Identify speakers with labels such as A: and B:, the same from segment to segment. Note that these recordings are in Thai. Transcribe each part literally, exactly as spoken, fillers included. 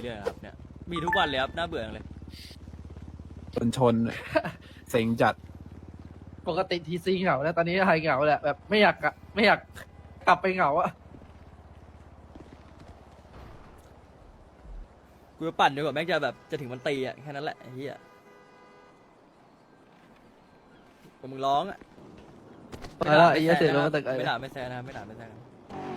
A: เรื่อยๆครับเนี่ยมีทุกวันเลยครับน่าเบื่อจังเลย
B: ชนชน เซ็งจัด
C: ปกติทีซีเหงาแล้วตอนนี้ไฮเหงาแหละแบบไม่อยากกลับไม่อยากกลับไปเหงาอะ
A: กูจะปั่นดีกว่าแม่งจะแบบจะถึงมันตีอ่ะแค่นั้นแหละไอ้เหี้ยผมมึงร้องอ่ะ
C: ไปแล้วไอ้เหี้ยเสียลงมาตึกไอ้
A: ไม่ด่าไม่แซะนะครับไม่ด่าไม่แซะกัน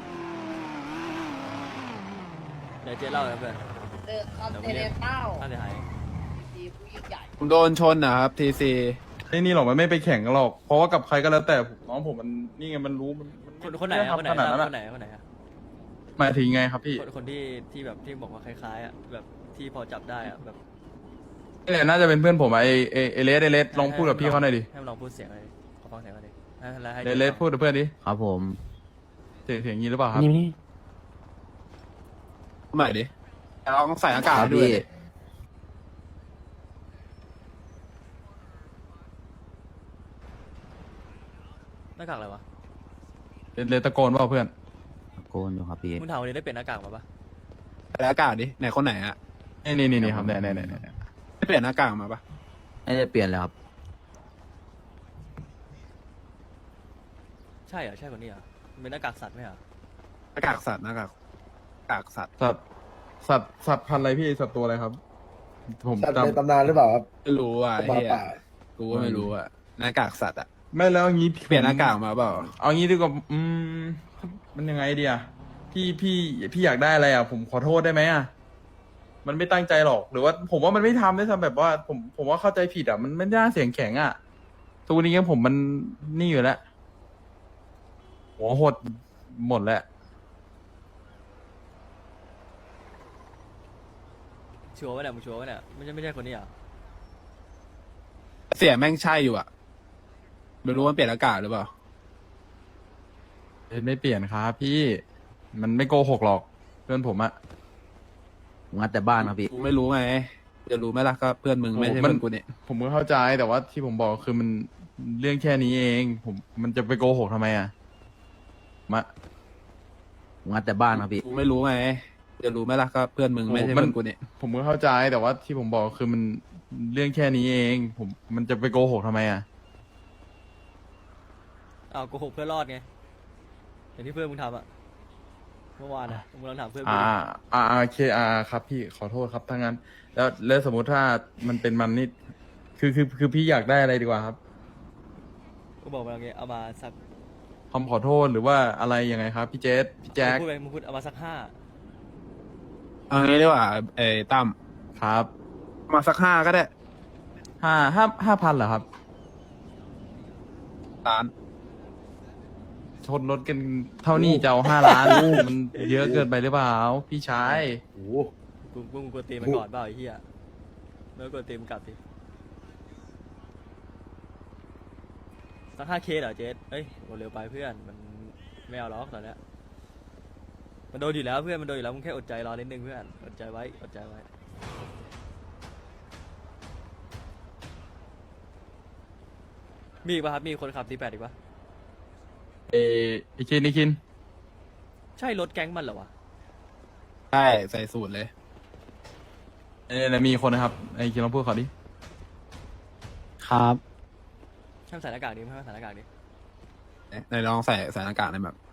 A: เดี๋ยวเจ๊เล่าครับเพื่อน
D: เดอะคอนเทเนเต้า
A: ค่าเสียหาย
D: ทีผู้ยิ่งใหญ่
B: ผมโดนชนนะครับทีซี
E: ไอ้นี่หรอกมันไม่ไปแข่งกันหรอก เพราะว่ากับใครก็แล้วแต่ผมน้องผมมันนี่ไงมันรู้มันมั
A: คนคนไหนอะคนไหน
E: ขนาดนั้น
A: ค
E: อะ
A: นไหนคนไหนอะ
E: หมายถึงไงครับพี่
A: คนคนที่ที่แบบที่บอกว่าคล้ายๆอ่ะแบบที่พอจับได้อ่ะแบบ
E: นี่แหละน่าจะเป็นเพื่อนผมอะไอไอไอเลสไอเลสลองพูดกับพี่เขาหน่อยดิ
A: ให้มันลองพูดเสียงเลยขอฟังเสียงหน่อยดิให้แล้วให้
E: เลสเลสพูดกับเพื่อนดิ
F: ครับผม
E: เสียงเสียงอย่างนี้หรือเปล่าครับ
F: นี่นี่
B: ใหม่ดิลองใส่อากาศ
F: ครับ
B: ด้วย
F: พี่
B: ดิ
A: หน้ากากอะไรวะ
E: เลสเลสตะโกนเปล่าเพื่อน
F: ตะโกนอยู่ครับพี่
A: มึงถามวันนี้ได้เปลี่ยนหน้ากากมาปะ
B: ใส่อากาศดิไหนคนไหนอะ
E: นี่นี่นี่นี่ครับเนี่ยเนี่ยเนี่ยเนี่ย
B: ได้เปลี่ยนหน้ากากมาปะ
F: ไม่ได้เปลี่ยนเลยครับ
A: ใช่เหรอใช่คนนี้เหรอมันเป็นหน้ากากสัตว์ไหมเหรอ
B: หน้ากากสัตว์หน้ากากหน้ากากสัตว์
E: สัตว์สัตว์สัตว์พันธุ์อะไรพี่สัตว์ตัวอะไรครับ ผม
G: สัตว์
E: จ
G: ในตำนานหรือเปล่าครับ
B: ไม่รู้อ่ะ
G: หมา
B: เฮีย
G: ป่า
B: กูก็ไม่รู้อ่ะหน้ากากสัตว์อ่ะ
E: ำไม่แล้วอย่างนี้
B: เปลี่ยนหน้ากากมาเปล่า
E: เอางี้ดีกว่าอืมมันยังไงดีอะพี่พี่พี่อยากได้อะไรอะผมขอโทษได้ไหมอะมันไม่ตั้งใจหรอกหรือว่า ผมว่ามันไม่ทำด้วยซ้ำแบบว่า ผมผมว่าเข้าใจผิดอะมันไม่น่าเสียงแข็งอะตัวนี้ผมมันนี่อยู่แล้วหัวหดหมดแล้ว
A: ชัวร์วะเนี่ยมึงชัวร์วะเนี่ยไม่ใช่ไม่ใช่คนนี้เหรอ
B: เสียแม่งใช่อยู่อ่ะไม่รู้ว่าเปลี่ยนอากาศหรือเปล่า
E: เอ้ยไม่เปลี่ยนครับพี่ มันไม่โกหกหรอกเพื่อนผมอะ
F: งัดแต่บ้านครับพี่
B: กูไม่รู้ไงจะรู้ไหมล่ะก็เพื่อนมึงไม่ใช่
E: โอ้มัน
B: เพื่อนกูเนี่ย
E: ผมก็เข้าใจแต่ว่าที่ผมบอกคือมันเรื่องแค่นี้เอง ผมมันจะไปโกหกทำไมอะมา
F: งัดแต่บ้านครับพี่
B: กูไม่รู้ไงจะรู้ไหมล่ะก็เพื่อนมึงไม่ใช่เพื่อนกูเนี่ย
E: ผมก็เข้าใจแต่ว่าที่ผมบอกคือมันเรื่องแค่นี้เอง ผมมันจะไปโกหกทำไมอะ
A: อ้าวโกหกเพื่อรอดไงอย่างที่เพื่อนมึงทำอะเมื่อวานอะมึงลองถามเพื่อนมึง
E: อ่า
A: ดิ
E: อ่าโอเคอ่าครับพี่ขอโทษครับถ้างั้น แล้วแล้วสมมุติถ้ามันเป็นมันนี่คือคือคือพี่อยากได้อะไรดีกว่าครับ
A: กูบอกมาอย่างเงี้ยเอามาสัก
E: คำขอโทษหรือว่าอะไรยังไงครับ พี่เจษพี่แจ็ค
A: มึงพูดไปมึงพูดเอามาสักห้า
B: เอางี้ดีกว่าเอ้ตั้ม
E: ครับ
B: มาสักห้าก็ได้
E: ห้าห้าห้าพันเหรอครับ
B: ล้าน
E: ชนรถกันเท่านี้จะเอาห้าล้าน มันเยอะเกินไปหรือเปล่า พี่ชาย
G: โอ้โห
A: กูกูกูกดตีมันก่อนเปล่าไอ้เหี้ยไม่กดตีมันกลับดิสักห้าเคเหรอเจสเอ้ยโหเร็วไปเพื่อนมันไม่เอาล็อกตอนเนี้ยมันโดนอยู่แล้วเพื่อนมันโดนอยู่แล้วมึงแค่อดใจรอนิดนึงเพื่อนอดใจไว้อดใจไว้มีอีกป่ะครับมีคนขับตีแปดอีกป่ะ
E: เอไอคินไอคิน
A: ใช่รถแก๊งมันเหรอวะ
B: ใช่ใส่สูตรเลย
E: เออมีคนนะครับไอคินลองพูดขอดิ
F: ครับ
A: ช่างใส่หน้ากากดิไม่ให้ใส่หน้ากากดิ
B: ไหนลองใส่ใส่หน้ากากในอยแบบ